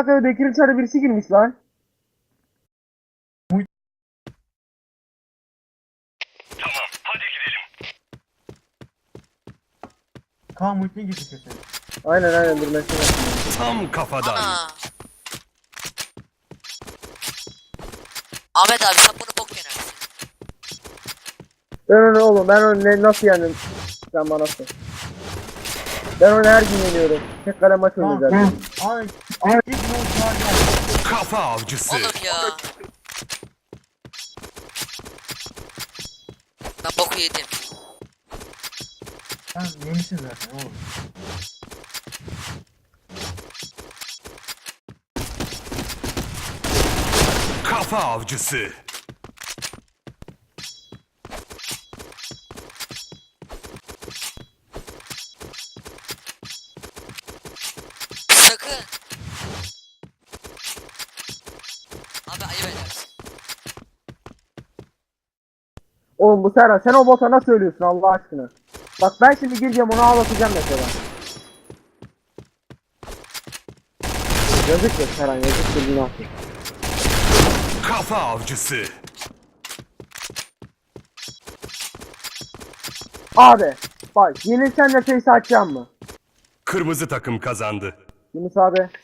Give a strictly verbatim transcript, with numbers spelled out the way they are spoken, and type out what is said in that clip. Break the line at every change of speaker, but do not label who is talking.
dakikada Bekir'in çarı birisi girmiş lan.
Tamam, hadi gidelim.
Kaan Muhittin gitti kesin.
Aynen aynen dur mesela.
Tam kafadan.
Ana. Ahmet abi sen bunu bok yenersin.
Ben onu oğlum ben onu ne, nasıl yendim? Sen bana sor. Ben onu her gün yeniyorum. Tek kale maç
Kaan.
oynayacağım.
Ay. Ay. İlk ne oldu var ya.
Kafa avcısı.
Oğlum ya. Ben boku yedim.
Sen yemişsin zaten oğlum.
Kafa avcısı.
Sakın. Abi ayıp edersin.
Oğlum bu Serhan sen o bota nasıl ölüyorsun Allah aşkına? Bak ben şimdi gireceğim onu ağlatacağım mesela. Yazık ya Serhan yazık günah.
Kafa avcısı.
Abi bak yenilsen de face açacağım mı?
Kırmızı takım kazandı.
Yunus abi.